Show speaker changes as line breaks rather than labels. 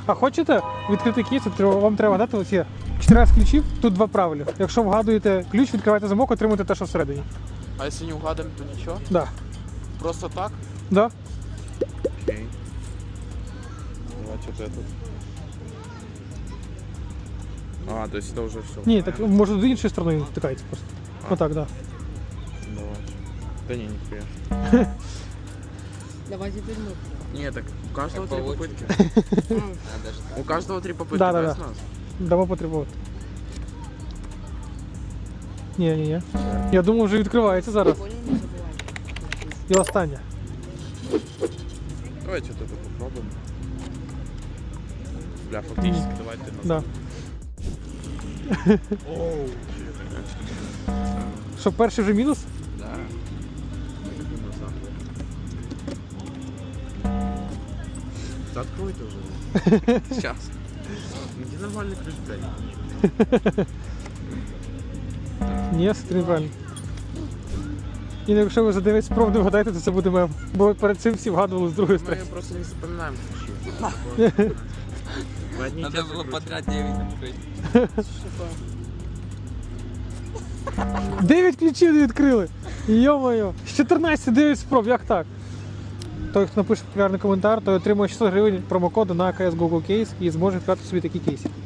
А хочете відкрити кейс, вам треба дати оці 14 ключів, тут 2 правила. Якщо вгадуєте ключ, відкриваєте замок, отримуєте те, що всередині.
А если не угадаем, то ничего?
Да.
Просто так?
Да?
Окей. Давайте вот этот. А, то есть это уже все.
Ні, так може з іншої сторони він втикається просто. Отак, да.
Давайте. Да не, нихуя.
Давай теперь мы.
Не, так у каждого
Так
3
получится.
попытки.
Надо ж так.
У каждого 3 попытки,
Да,
да,
да,
с
да.
нас?
Дамо потребувати. Ні. Я думав, вже відкривається зараз.
Понял, не забывай.
І останнє.
Давайте вот это попробуем. Бля, фактически давайте назад.
Да.
Оу.
Що, перший вже мінус?
Да. Назад. Да открой ты уже. Сейчас. Где нормальный ключ, блядь?
Ні, все неправильно. І якщо ви за 9 спроб не вгадаєте, то це буде мем. Бо перед цим всі вгадували з другої
Мы
сторони.
просто не запоминаем ключи. Мы одни и те
Надо
же
было
ключи.
подряд 9 открыть.
9 ключів не відкрили! Йо-моє! З 14 9 спроб, як так? Той, хто напише популярний коментар, той отримує 600 гривень промокоду на CS Google Case і зможе відкривати собі такі кейси.